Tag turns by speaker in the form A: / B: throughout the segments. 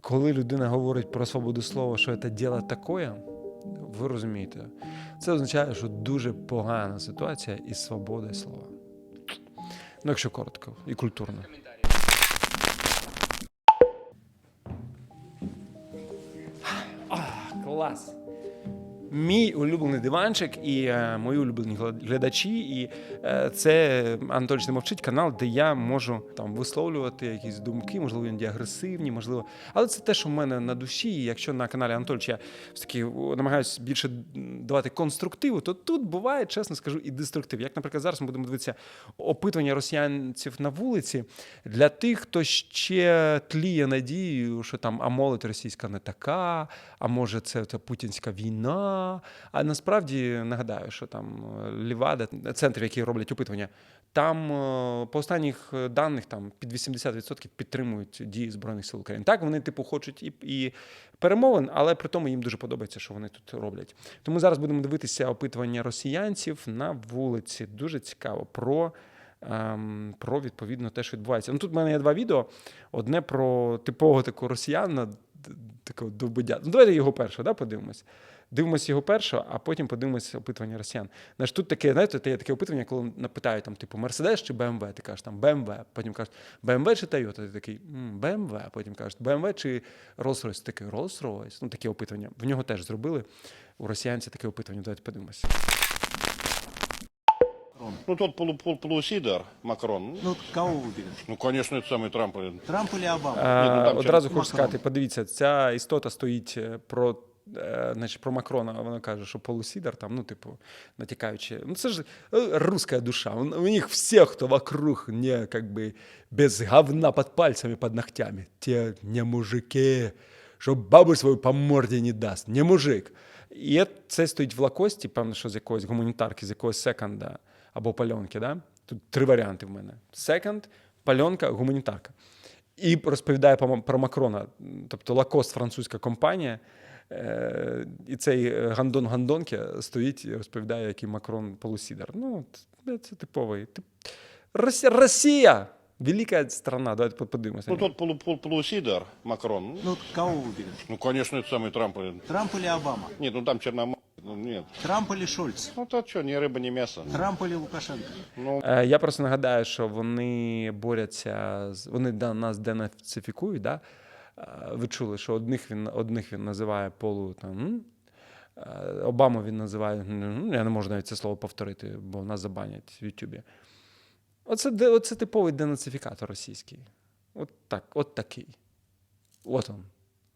A: Коли людина говорить про свободу слова, що це діло таке, ви розумієте, це означає, що дуже погана ситуація із свободою слова. Ну, якщо коротко і культурно. Клас! Мій улюблений диванчик і мої улюблені глядачі, і це Анатолій не мовчить канал, де я можу там висловлювати якісь думки, можливо, іноді агресивні, можливо. Але це те, що в мене на душі. І якщо на каналі Анатолійовича я все-таки намагаюся більше давати конструктиву, то тут буває, чесно скажу, і деструктив. Як, наприклад, зараз ми будемо дивитися опитування росіянців на вулиці для тих, хто ще тліє надією, що там, а молодь російська не така, а може це путінська війна. А насправді нагадаю, що там Лівада, центр, які роблять опитування, там по останніх даних там під 80% підтримують дії Збройних сил України. Так, вони типу хочуть і перемовин, але при тому їм дуже подобається, що вони тут роблять. Тому зараз будемо дивитися опитування росіянців на вулиці. Дуже цікаво про відповідно те, що відбувається. Ну тут в мене є два відео. Одне про типового такого росіянина, такого довбодя. Ну давайте його перше, подивимось. Дивимося його першого, а потім подивимося опитування росіян. Знаєш, тут таке, знаєте, є таке опитування, коли напитають, там, типу, Мерседес чи БМВ, ти кажеш, там, БМВ, потім кажеш, БМВ чи Тойота, ти такий, БМВ, потім кажеш, БМВ чи Rolls-Royce, ти такий, Rolls-Royce, ну, таке опитування. В нього теж зробили, у росіянця таке опитування, давайте подивимося.
B: Ну, тот полусидор, Макрон.
C: Ну, кого выберешь?
B: Ну, конечно, это самый Трамп.
C: Трамп или Обама?
A: Одразу хочу сказати, подивіться, ця істота стоїть про Макрона, вона каже, що полусідар, там, ну, типу, натякаючи. Ну, це ж русская душа. У них всех, кто вокруг, не, как бы, без говна под пальцами, под ногтями. Те не мужики, що бабу свою по морді не дасть. Не мужик. І це стоїть в лакості, певно, що з якоїсь гуманітарки, з якогось секонда або пальонки, да? Тут три варіанти в мене. Секонд, пальонка, гуманітарка. І розповідає про Макрона, тобто Лакост, французька компанія, і цей гандон-гандонки стоїть і розповідає, який Макрон полусідар. Ну, це типовий. Росія! Велика страна, давайте подивимося.
B: Ну, тот полусидор, Макрон.
C: Ну, кого выберешь?
B: Ну, конечно, это самый Трамп.
C: Трамп или Обама?
B: Нет, ну там черномор. Ну, нет.
C: Трамп или Шольц?
B: Ну, то что, ни рыба, ни мясо.
C: Трамп или Лукашенко?
A: Я просто нагадаю, що вони борються, вони нас денацифікують, да? Ви чули, що одних він називає Обаму він називає, я не можу навіть це слово повторити, бо нас забанять в Ютубі. Оце типовий денацифікатор російський. От такий. От он.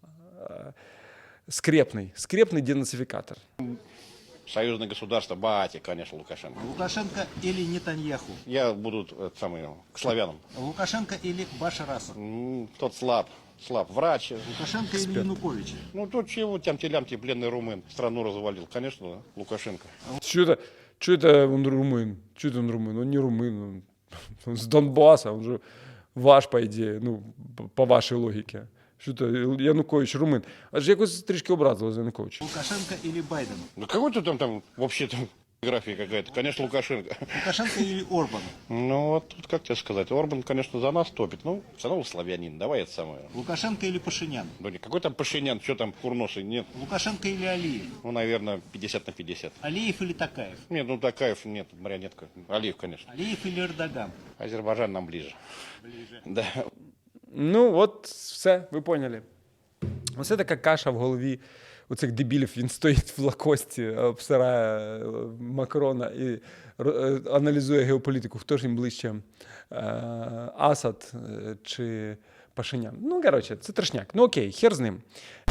A: Скрепний денацификатор.
B: Союзное государство, бати, конечно, Лукашенко.
C: Лукашенко или Нетаньяху?
B: Я буду к славянам.
C: Лукашенко или Башар Асад?
B: Тот слаб, врач.
C: Лукашенко или Янукович?
B: Ну, тут чего, тямти-лямти, пленный румын, страну развалил. Конечно, Лукашенко.
A: Что это он румын? Что это он румын? Он не румын, он с Донбасса, он же ваш, по идее, ну, по вашей логике. Що то Янукович румин. Аж якось трішки образило за Януковича.
C: Лукашенко или Байден?
B: Ну, какой-то там вообще там графия какая-то. Конечно, Лукашенко.
C: Лукашенко или Орбан?
B: Ну, вот тут, как тебе сказать, Орбан, конечно, за нас топит. Ну, все равно славянин, давай это самое.
C: Лукашенко или Пашинян?
B: Ну, какой там Пашинян, что там курносый, нет.
C: Лукашенко или Алиев?
B: Ну, наверное, 50/50.
C: Алиев или Такаев?
B: Нет, ну, Такаев, нет, марионетка. Алиев, конечно.
C: Алиев или Эрдоган?
B: Азербайджан нам ближе.
C: Ближе.
B: Да.
A: Ну, от все, ви поняли. Оце така каша в голові у цих дебілів. Він стоїть в Лакості, обсирає Макрона і аналізує геополітику. Хто ж їм ближче, Асад чи Пашинян. Ну, коротше, це трешняк. Ну, окей, хер з ним.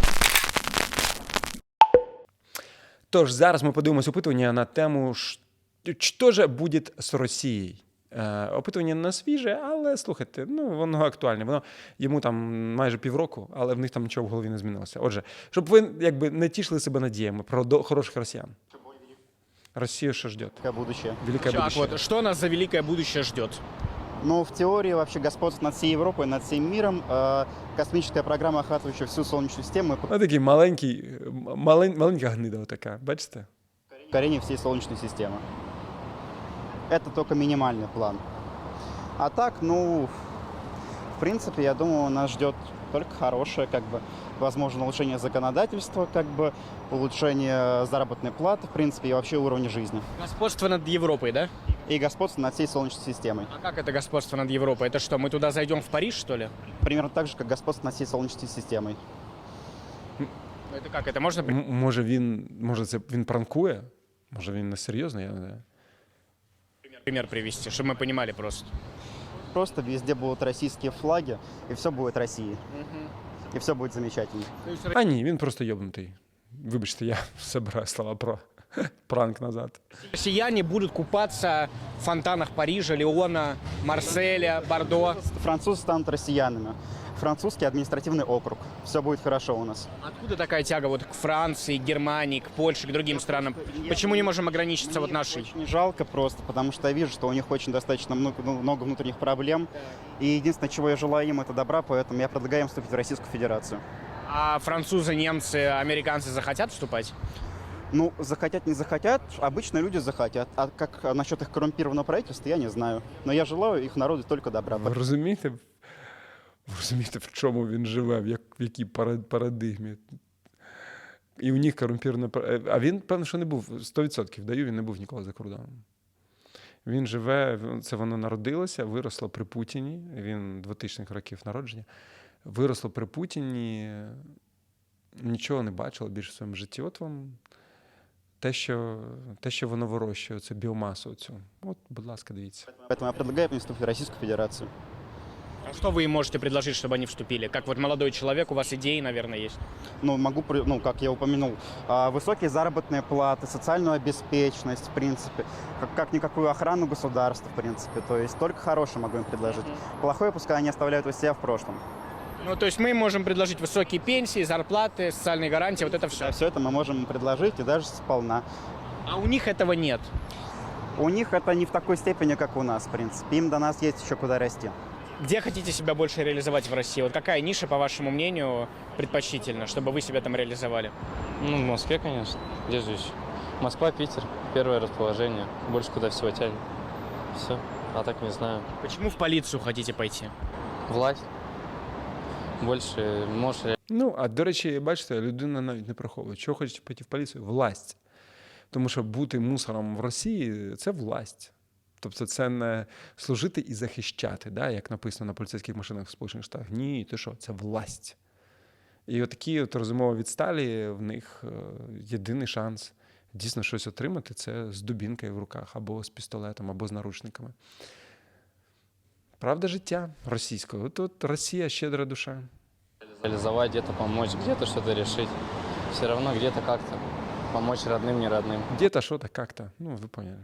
A: Тож, зараз ми подивимося опитування на тему «Що же буде з Росією?». Опитування не свіже, але, слухайте, ну, воно актуальне. Йому там майже півроку, але в них там нічого в голові не змінилося. Отже, щоб ви якби не тішили себе надіями про хороших росіян. Россию что ждет?
D: Будущее.
A: Великое будущее.
E: Вот, что нас за великое будущее ждет?
D: Ну, в теории вообще господство над всей Европой, над всем миром, космическая программа, охватывающая всю Солнечную систему,
A: Ось такий маленька гнида така, бачите?
D: покорение всей Солнечной системы. Это только минимальный план. А так, ну, в принципе, я думаю, нас ждет только хорошее, как бы, возможно, улучшение законодательства, как бы, улучшение заработной платы, в принципе, и вообще уровня жизни.
E: Господство над Европой, да?
D: И господство над всей Солнечной системой.
E: А как это господство над Европой? Это что, мы туда зайдем в Париж, что ли?
D: Примерно так же, как господство над всей Солнечной системой.
E: Ну, это как? Это можно...
A: Може він пранкує? Може він не серйозно? Я не знаю.
E: пример привести, чтобы мы понимали просто?
D: Просто везде будут российские флаги, и все будет России. И все будет замечательно.
A: А ні, він просто йобнутий. Вибачте, я забираю слова про пранк назад.
E: Россияне будут купаться в фонтанах Парижа, Лиона, Марселя, Бордо.
D: Французы станут россиянами. Французский административный округ. Все будет хорошо у нас.
E: Откуда такая тяга вот к Франции, к Германии, к Польше, к другим странам? Почему не можем ограничиться вот нашей?
D: Очень жалко просто, потому что я вижу, что у них очень достаточно много внутренних проблем. И единственное, чего я желаю им, это добра, поэтому я предлагаю им вступить в Российскую Федерацию.
E: А французы, немцы, американцы захотят вступать?
D: Ну, захотят, не захотят, обычно люди захотят. А как насчет их коррумпированного правительства, я не знаю. Но я желаю их народу только добра.
A: Ви розумієте, в чому він живе, в якій парадигмі? І у них корумпірована... А він, певно, що не був, 100% даю, він не був ніколи за кордоном. Він живе, це воно народилося, виросло при Путіні, він 2000-х років народження, виросло при Путіні, нічого не бачило більше в своєму житті. От вам те, що воно вирощує, це біомасу цю. От, будь ласка, дивіться.
D: Поэтому я предлагаю им вступить в Российскую Федерацию.
E: А что вы им можете предложить, чтобы они вступили? Как вот молодой человек, у вас идеи, наверное, есть?
D: Ну, могу, как я упомянул, высокие заработные платы, социальную обеспеченность, в принципе, как-никакую охрану государства, в принципе. То есть только хорошее могу им предложить. Плохое пускай они оставляют у себя в прошлом.
E: Ну, то есть мы можем предложить высокие пенсии, зарплаты, социальные гарантии, вот это все.
D: Все это мы можем им предложить, и даже сполна.
E: А у них этого нет.
D: У них это не в такой степени, как у нас, в принципе. Им до нас есть еще куда расти.
E: Где хотите себя больше реализовать в России? Вот какая ниша, по вашему мнению, предпочтительна, чтобы вы себя там реализовали?
F: Ну, в Москве, конечно. Где же еще? Москва, Питер. Первое расположение. Больше куда всего тянет. Все. А так не знаю.
E: Почему в полицию хотите пойти?
F: Власть. Больше можешь...
A: Ну, а до речі, бачите, людина навіть не приховує. Чого хочете піти в поліцію? Власть. Тому що бути мусором в Росії – це власть. Тобто це не служити і захищати, да, як написано на поліцейських машинах в Сполучених Штатах. Ні, ти що, це власть. І отакі от розумово відсталі, в них єдиний шанс дійсно щось отримати – це з дубінкою в руках, або з пістолетом, або з наручниками. Правда життя російського. Тут Росія щедра душа.
F: Реализовать, где-то помочь, где-то что-то решить. Все равно где-то как-то помочь родным, не родным.
A: Где-то что-то как-то. Ну, вы поняли.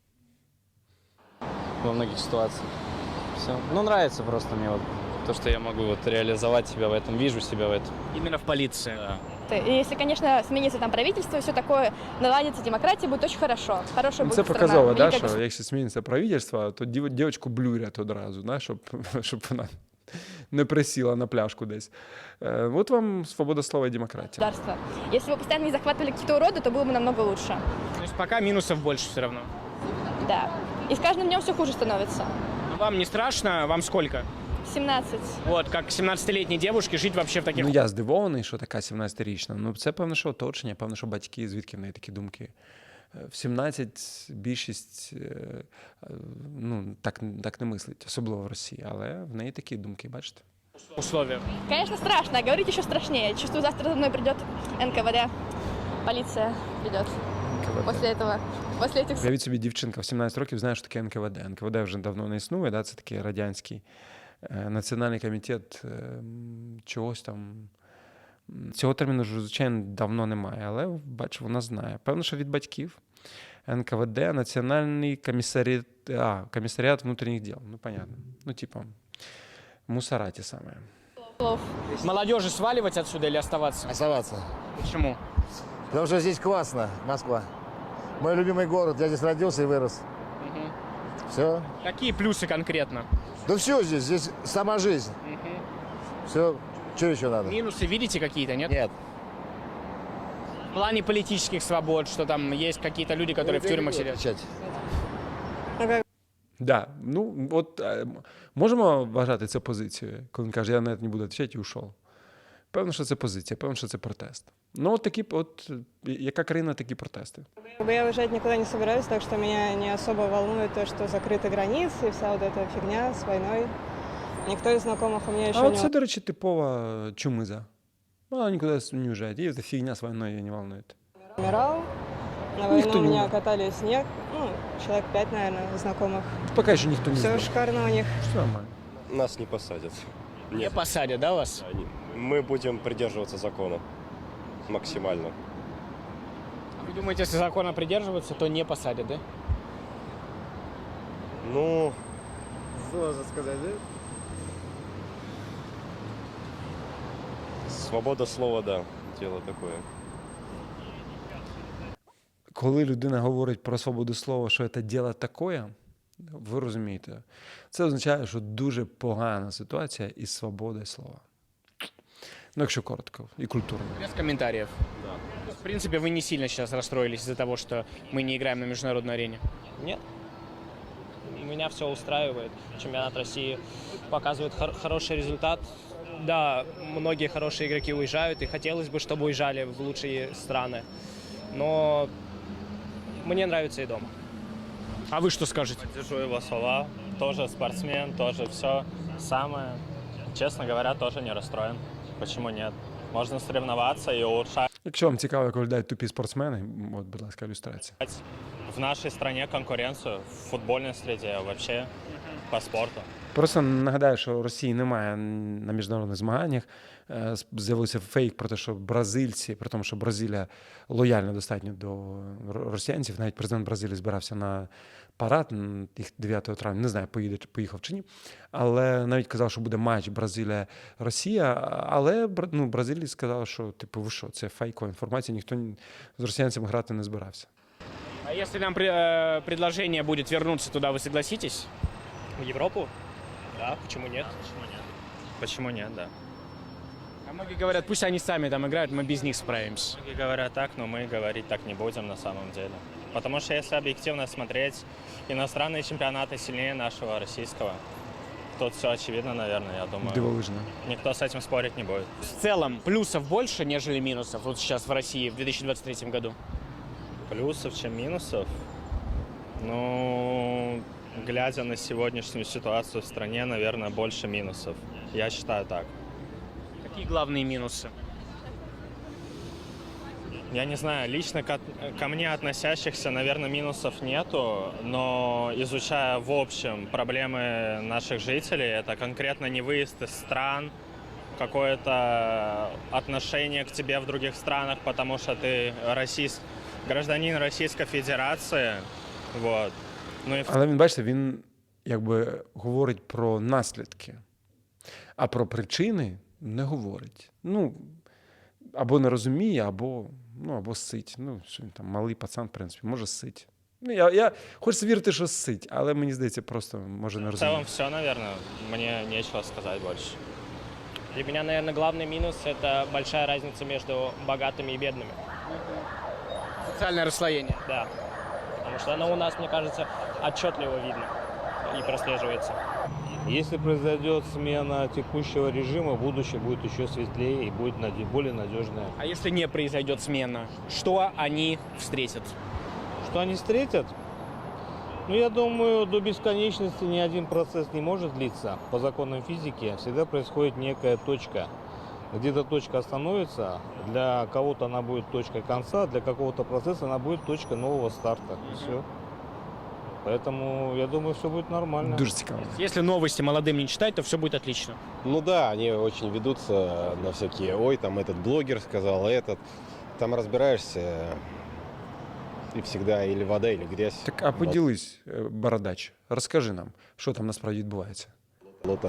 F: Во многих ситуациях. Все. Ну, нравится просто мне вот то, что я могу вот реализовать себя в этом, вижу себя в этом.
E: Именно в полиции.
F: Да.
G: И если, конечно, сменится там правительство и все такое, наладится демократия, будет очень хорошо. Хорошая
A: Це
G: будет
A: показово,
G: страна.
A: да, що якщо зміниться правительство, то дівчинку блюрять одразу, да, щоб вона не присіла на пляшку десь. От вам свобода слова і демократія.
G: Государство. Если бы постоянно не захватывали какие-то уроды, то было бы намного лучше.
E: То есть пока минусов больше все равно.
G: Да. И с каждым днем все хуже становится.
E: Но вам не страшно? Вам сколько?
G: 17.
E: Вот, как 17-летней девушке жить вообще в таких...
A: Ну, я здивований, що така 17-річна. Ну, це, певно, що оточення, певно, що батьки, звідки в неї такі думки. В 17 більшість, ну, так не мислить, особливо в Росії, але в неї такі думки, бачите?
E: условиях.
G: Конечно, страшно, а говорить еще страшнее. Чувствую, завтра за мной придет НКВД, полиция придет после этого. После этих...
A: Уявіть собі, дівчинка в 17 років знає, що таке НКВД. НКВД вже давно не існує, да? Це такий радянський національний комітет чогось там. Цього терміну ж, звичайно, давно немає, але, бачу, вона знає. Певно, що від батьків. НКВД, Національний комісаріат внутрішніх діл. Ну, понятно. Ну, типа, мусора ті самі.
E: Молодежи сваливать отсюда или оставаться?
H: Оставаться.
E: Почему?
H: Потому что здесь классно, Москва. Мой любимый город, я здесь родился и вырос. Все.
E: Какие плюсы конкретно?
H: Да все здесь сама жизнь. Все, что еще надо?
E: Минусы видите какие-то, нет?
H: Нет.
E: В плане политических свобод, что там есть какие-то люди, которые в тюрьмах сидят.
H: Отвечать.
A: Да, ну от можемо вважати це позицією, коли він каже, я навіть не буду відповідати і ушов. Певно, що це позиція, певно, що це протест. Ну, от такі, от яка країна, такі протести.
I: Я уезжать никуда не собираюсь, так что меня не особо волнует то, что закрыты границы и вся вот эта фигня с войной. Никто из знакомых у меня еще
A: А
I: не...
A: от це, до речі, типова чумиза. Вона нікуди не уїжджає. І ця фігня з війною її не волнує.
I: умирал. На войну
A: Никто
I: у
A: не
I: меня
A: умер.
I: катали снег, ну, человек 5, наверное, знакомых.
A: Поки що ніхто не
I: Все
A: знає.
I: шикарно у них.
A: Все нормально.
J: Нас не посадят.
E: Не посадят, да, вас?
J: Мы будем придерживаться закона максимально.
E: Вы думаете, если закона придерживаться, то не посадят, да?
J: Ну,
H: Сложно сказать, да?
J: свобода слова, да, дело такое.
A: Коли людина говорить про свободу слова, що це діло таке, ви розумієте, це означає, що дуже погана ситуація із свободою слова. Ну, якщо коротко і культурно.
E: Без комментариев. Да. В принципе, вы не сильно сейчас расстроились из-за того, что мы не играем на международной арене.
K: Нет. Меня все устраивает. Чемпионат России показывает хороший результат. Да, многие хорошие игроки уезжают, и хотелось бы, чтобы уезжали в лучшие страны. Но мне нравится и дома.
E: А вы что скажете?
K: Поддержу его слова. Тоже спортсмен, тоже все самое. Честно говоря, тоже не расстроен. Почему нет? Можно соревноваться и улучшать
A: Якщо вам цікаво, як виглядають тупі спортсмени, от, будь ласка, ілюстрація.
K: в нашей стране конкуренцию в футбольной среде, вообще по спорту.
A: Просто нагадаю, що Росії немає на міжнародних змаганнях. З'явився фейк про те, що бразильці, при тому, що Бразилія лояльна достатньо до росіянців, навіть президент Бразилії збирався на парад їх 9 травня, не знаю, поїхав чи ні, але навіть казав, що буде матч Бразилія-Росія, але ну, Бразилія сказала, що типу, ви що, це фейкова інформація, ніхто з росіянцями грати не збирався.
E: А если нам предложение будет вернуться туда, вы согласитесь?
K: В Европу? Да, почему нет? Почему нет, да.
E: А многие говорят, пусть они сами там играют, мы без них справимся.
K: Многие говорят так, но мы говорить так не будем на самом деле. Потому что если объективно смотреть, иностранные чемпионаты сильнее нашего российского. Тут все очевидно, наверное, я думаю.
A: Дивовижно.
K: Никто с этим спорить не будет.
E: В целом плюсов больше, нежели минусов вот сейчас в России в 2023 году?
K: Плюсов, чем минусов? Ну, глядя на сегодняшнюю ситуацию в стране, наверное, больше минусов. Я считаю так.
E: Какие главные минусы?
K: Я не знаю, лично ко мне относящихся, наверное, минусов нету, но изучая в общем проблемы наших жителей, это конкретно не выезд из стран, какое-то отношение к тебе в других странах, потому что ты гражданин Российской Федерации, вот. Ну и
A: Але він, бачите, він якби говорить про наслідки, а про причини не говорить. Ну, або не розуміє, або сить. Ну, що він там, малий пацан, в принципі, може сить. Ну, я хочу вірити, що сить, але мені здається, просто може не
K: в
A: розуміє.
K: целом все, наверное, мне нечего сказать больше.
L: Для меня, наверное, главный минус – это большая разница между богатыми и бедными.
E: Социальное расслоение.
L: Да. Потому что оно у нас, мне кажется, отчетливо видно и прослеживается.
M: Если произойдет смена текущего режима, будущее будет еще светлее и будет более надежное.
E: А если не произойдет смена, что они встретят?
M: Что они встретят? Ну, я думаю, до бесконечности ни один процесс не может длиться. По законам физики всегда происходит некая точка. Где-то точка остановится, для кого-то она будет точкой конца, для какого-то процесса она будет точкой нового старта. Все. Поэтому, я думаю, все будет нормально.
A: Дуже цікаво.
E: Если новости молодым не читать, то все будет отлично.
J: Ну да, они очень ведутся на всякие, ой, там этот блогер сказал, этот. Там разбираешься, и всегда или вода, или грязь.
A: Так, а поділись, бородач, розкажи нам, що там насправді відбувається.
J: Кто-то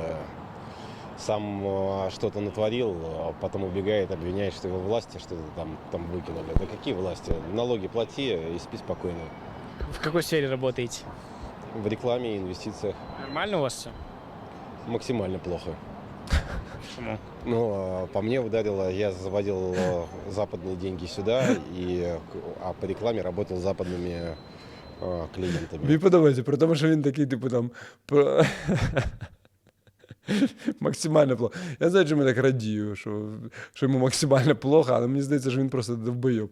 J: сам что-то натворил, а потом убегает, обвиняет, что его власти что-то там выкинули. Да какие власти? Налоги плати и спи спокойно.
E: В какой сфере работаете?
J: В рекламе и инвестициях
E: Нормально у вас все?
J: максимально плохо.
E: Почему?
J: Ну, по мне ударило, я заводил западные деньги сюда, а по рекламе работал с западными клиентами.
A: Мені подобається, при тому, що він такий, типу, там. Максимально плохо. Я знаю, чому я так радію, що йому максимально плохо, але мені здається, що він просто довбойоб.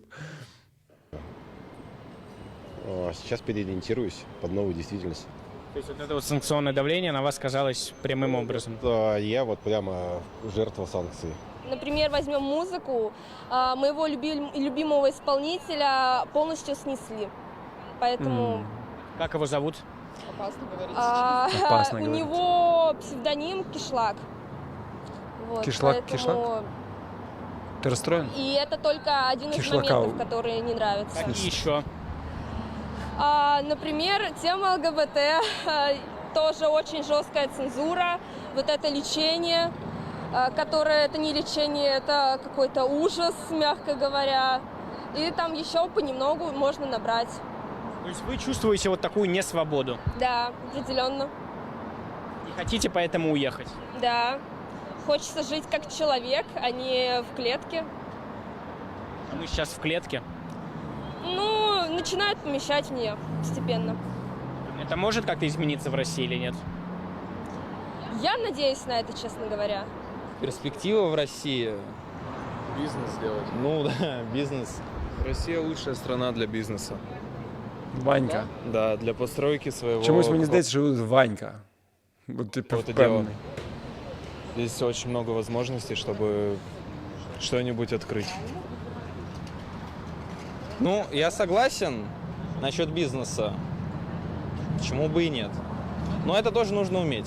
J: Сейчас переориентируюсь под новую действительность.
E: То есть вот это вот санкционное давление на вас сказалось прямым образом?
J: Да, я вот прямо жертва санкций.
G: Например, возьмем музыку, моего любимого исполнителя полностью снесли. Поэтому
E: Как его зовут?
G: опасно говорить.
A: Опасно
G: У
A: говорить.
G: него псевдоним Кишлак. Вот,
A: Кишлак,
G: поэтому-
A: Кишлак? Ты расстроен?
G: И это только один из
A: Кишлака.
G: моментов, которые не нравятся.
E: Какие еще?
G: Например, тема ЛГБТ, тоже очень жесткая цензура, вот это лечение, которое это не лечение, это какой-то ужас, мягко говоря. И там еще понемногу можно набрать.
E: То есть вы чувствуете вот такую несвободу?
G: Да, определенно.
E: И хотите поэтому уехать?
G: Да. Хочется жить как человек, а не в клетке.
E: А мы сейчас в клетке.
G: Ну, начинают помещать в нее постепенно.
E: Это может как-то измениться в России или нет?
G: Я надеюсь на это, честно говоря.
N: Перспектива в России.
F: Бизнес сделать.
N: Ну да, бизнес.
F: Россия лучшая страна для бизнеса.
A: Ванька.
F: Да, для постройки своего...
A: Чомусь мені здається, що Ванька. От ти
F: Какого-то
A: впевнений.
F: Здесь очень много возможностей, чтобы что-нибудь открыть.
N: Ну, я согласен насчет бизнеса. Почему бы и нет? Но это тоже нужно уметь.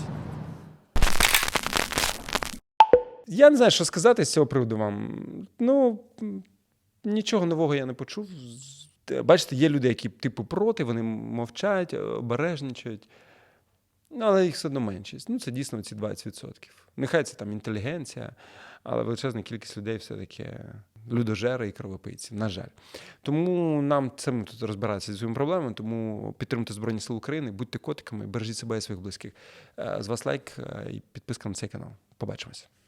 A: Я не знаю, що сказати з цього приводу вам. Ну, нічого нового я не почув. Бачите, є люди, які типу проти, вони мовчать, обережничають. Ну, але їх все одно меншість. Ну, це дійсно ці 20%. Нехай це там інтелігенція, але величезна кількість людей все-таки людожери і кровопийці, на жаль. Тому нам цим тут розбиратися зі своїми проблемами, тому підтримуйте Збройні Сили України, будьте котиками, бережіть себе і своїх близьких. З вас лайк і підписка на цей канал. Побачимось.